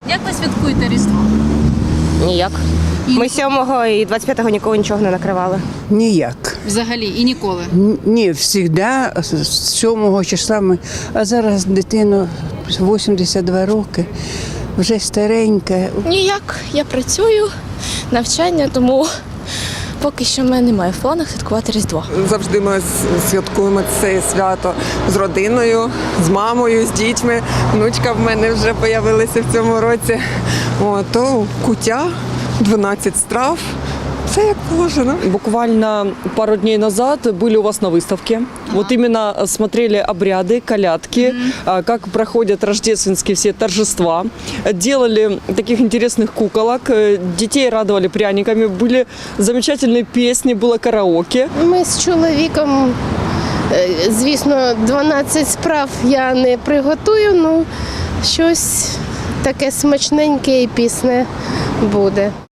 Як ви святкуєте Різдво? Ніяк. Ми 7-го і 25-го нікого нічого не накривали. Ніяк. Взагалі і ніколи. Ні, завжди з 7 числа ми. А зараз дитина 82 роки, вже старенька. Ніяк, я працюю, навчання, тому поки що в мене немає в планах святкувати Різдво. Завжди ми святкуємо це свято з родиною, з мамою, з дітьми. Внучка в мене вже з'явилася в цьому році. То куття, 12 страв. Все як положено. Буквально пару дней назад были у вас на выставке. Вот именно смотрели обряды, колядки, как проходят рождественские все торжества. Делали таких интересных куколок, детей радовали пряниками, были замечательные песни, было караоке. Ми з чоловіком, звісно, 12 справ я не приготую, ну щось таке смачненьке і пісне буде.